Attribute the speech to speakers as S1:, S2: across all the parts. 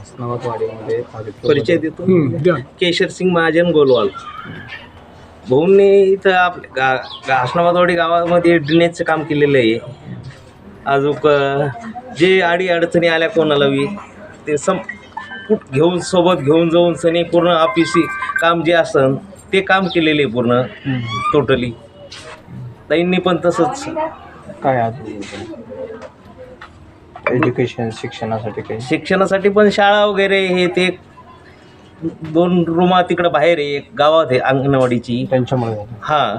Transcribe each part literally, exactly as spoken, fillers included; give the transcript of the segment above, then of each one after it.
S1: हसनाबादवाडीमध्ये
S2: परिचय देतो. केशर सिंग महाजन गोलवाल. भाऊंनी इथं आपल्या गा गा हसनाबादवाडी गावामध्ये ड्रेनेजचं काम केलेलं आहे. अजून जे अडी अडचणी आल्या कोणाला बी ते सम कुठ घेऊन सोबत घेऊन जाऊन सनी पूर्ण ऑफिसी काम जे असन ते काम केलेले आहे पूर्ण टोटली. ताईंनी पण तसंच.
S1: काय अजून एज्युकेशन शिक्षणासाठी काही
S2: शिक्षणासाठी पण शाळा वगैरे हे ते दोन रूमा तिकडं बाहेर आहे, एक गावात आहे अंगणवाडीची
S1: त्यांच्यामुळे.
S2: हां,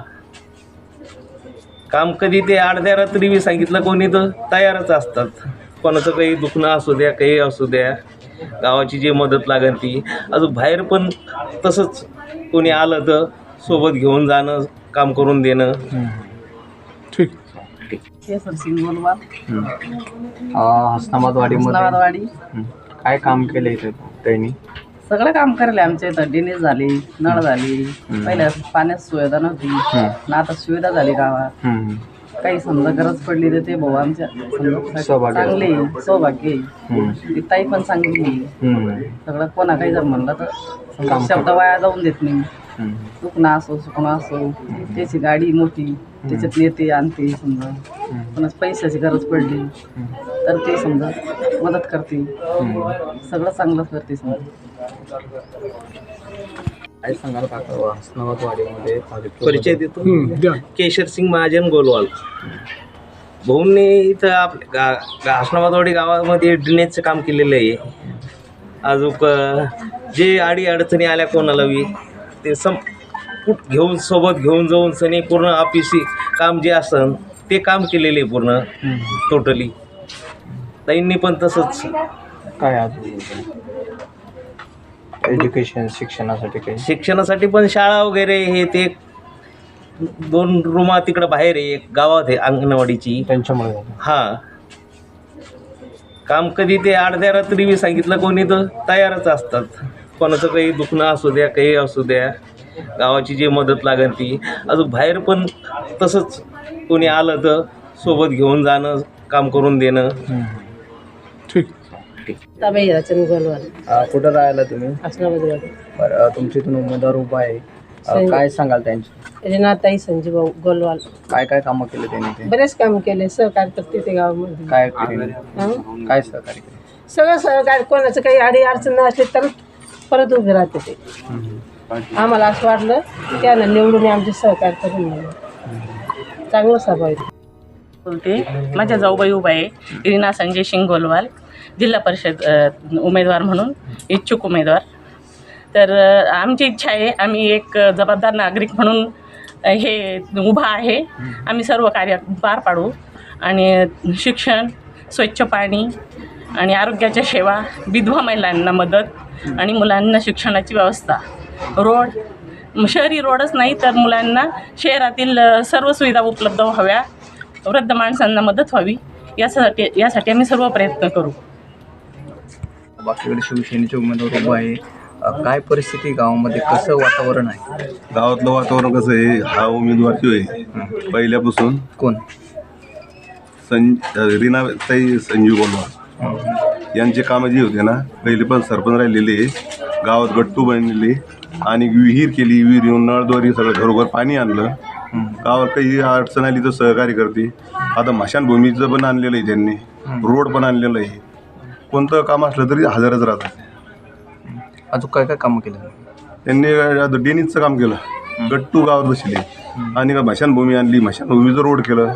S2: काम कधी ते अर्ध्या रात्री बी सांगितलं कोणी तर तयारच असतात. कोणाचं काही दुखणं असू द्या, काही असू द्या, गावाची जी मदत लागेल ती. अजून बाहेर पण तसंच कोणी आलं तर सोबत घेऊन जाणं, काम करून देणं.
S1: ठीक.
S3: केशर सिंग गोलवाल.
S1: हसनाबादवाडीमध्ये काय काम केलं इथे त्यांनी?
S3: सगळं काम करले आमच्या इथं. ड्रेनेज झाली, नळ झाली, पहिल्या पाण्यात सुविधा नव्हती ना, आता सुविधा झाली गावात. काही समजा गरज पडली तर ते भाऊ आमच्या चांगले सौभाग्य. ती ताई पण चांगली. सगळं कोणा काही जर म्हणलं तर शब्द वाया जाऊन देत नाही. दुखणं असो सुखणं असो, त्याची गाडी मोठी, त्याच्यात नेते आणते. समजा कोणाच पैशाची गरज पडली तर ते समजा मदत करते. सगळं चांगलं करते. समजा
S1: काय सांगाल काका हसनाबादवाडीमध्ये
S2: परिचय देतो. केशर सिंग महाजन गोलवाल. भाऊंनी इथं आपल्या गा गा हसनाबादवाडी गावामध्ये ड्रेनेजचं काम केलेलं आहे. अजून जे अडी अडचणी आल्या कोणाला बी ते सम कुठ घेऊन सोबत घेऊन जाऊन सनी पूर्ण ऑफिसी काम जे असन ते काम केलेले आहे पूर्ण टोटली. ताईंनी पण तसंच.
S1: काय अजून एज्युकेशन शिक्षणासाठी काही
S2: शिक्षणासाठी पण शाळा वगैरे हे ते दोन रूमा तिकडं बाहेर आहे, एक गावात आहे अंगणवाडीची.
S1: त्यांच्यामुळे.
S2: हां, काम कधी ते अर्ध्या रात्री बी सांगितलं कोणी तर तयारच असतात. कोणाचं काही दुखणं असू द्या, काही असू द्या, गावाची जी मदत लागेल ती. अजून बाहेर पण तसंच कोणी आलं तर सोबत घेऊन जाणं, काम करून देणं.
S1: ठीक.
S3: ताबाई रचन गोलवाल.
S1: कुठं राहायला तुम्ही?
S3: हसनाबादवाडी.
S1: बरं, तुमच्या इथून उमेदवार उभा आहे, काय सांगाल त्यांची?
S3: रीनाताई संजीव गोलवाल.
S1: काय काय कामं केले त्यांनी? ते
S3: बरेच काम केले, सहकार्य करते ते गावामध्ये.
S1: काय केले? काय सहकार्य केले?
S3: सगळं सहकार्य. कोणाचं काही अडी अडचण असली तर परत उभे राहते ते. आम्हाला असं वाटलं त्याला निवडून आमचे सहकार्य करून म्हणून चांगलं सभा आहे.
S4: बोलते. माझ्या जाऊबाई उभा आहे रीना संजय सिंग गोलवाल, जिल्हा परिषद उमेदवार म्हणून इच्छुक उमेदवार. तर आमची इच्छा आहे, आम्ही एक जबाबदार नागरिक म्हणून हे उभा आहे. आम्ही सर्व कार्य पार पाडू आणि शिक्षण, स्वच्छ पाणी आणि आरोग्याच्या सेवा, विधवा महिलांना मदत आणि मुलांना शिक्षणाची व्यवस्था, रोड, शहरी रोडच नाही तर मुलांना शहरातील सर्व सुविधा उपलब्ध व्हाव्या, वृद्ध माणसांना मदत व्हावी, यासाठी यासाठी आम्ही सर्व प्रयत्न करू.
S1: बाकीकडे शिवसेनेचे उमेदवार उभा आहे, काय परिस्थिती गावामध्ये, कसं वातावरण आहे?
S5: गावातलं वातावरण कसं आहे, हा उमेदवार जो आहे पहिल्यापासून
S1: कोण?
S5: सं रीनाताई संजीव गोलवाल यांचे कामं जी होते ना, पहिले पण सरपंच राहिलेले आहे, गावात गट्टू बनलेले आणि विहीर केली, विहीर येऊन नळद्वारे सगळं घरोघर पाणी आणलं. गावात काही अडचण आली तर सहकार्य करते. आता मशानभूमीचं पण आणलेलं आहे त्यांनी, रोड पण आणलेलं आहे. कोणतं काम असलं तरी हजरच राहतात.
S1: अजून काय काय कामं केलं
S5: त्यांनी? डेनीजचं काम केलं, गट्टू गावात बसले आणि का मशानभूमी आणली, मशानभूमीचं रोड केलं.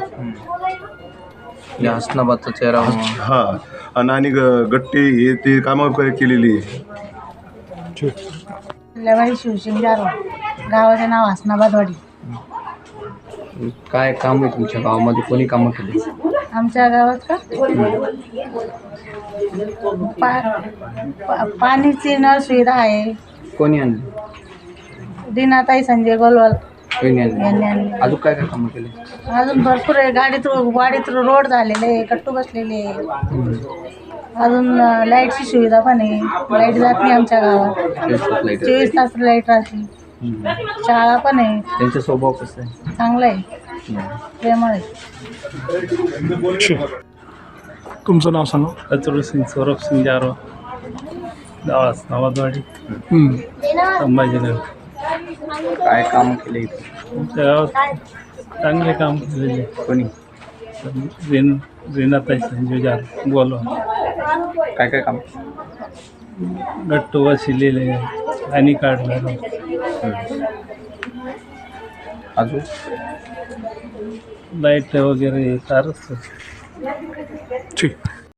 S1: हसनाबादचा चेहरा.
S5: हा, आणि आणि गट्टे हे ते कामं केलेली.
S6: शिवसिंग गावाचे नाव हसनाबादवाडी.
S1: काय काम आहे तुमच्या गावामध्ये, कोणी कामं केली?
S6: आमच्या गावात का पा, पा, पाणीची नळ सुविधा आहे.
S1: कोणी आणली?
S6: रीनाताई संजय गोलवाल
S1: कोणी
S6: यांनी
S1: आणली?
S6: आणली.
S1: अजून काय काय कामं केली?
S6: अजून भरपूर आहे. गाडीत वाडीत रोड झालेले, कट्टू बसलेले. अजून लाईटची सुविधा पण आहे, लाईट जात नाही आमच्या गावात, चोवीस तास लाईट राहते. शाळा पण आहे.
S1: त्यांचा स्वभाव कसा आहे?
S6: चांगला आहे, प्रेमळ आहे.
S7: तुमचं नाव सांगा.
S2: अतुल सिंग, सौरभ सिंग जारो.
S7: नावाजवाडी संभाजीनगर.
S1: काय काम केले इथे?
S7: आमच्या गावात चांगले काम केलेले.
S1: कोणी?
S7: रेन रेनाताई संजय जाल गोलवाल.
S1: काय काय काम?
S7: गट्टू वसिलेले, आणि काढलं.
S1: अजून
S7: लाईट वगैरे फारच.
S8: ठीक.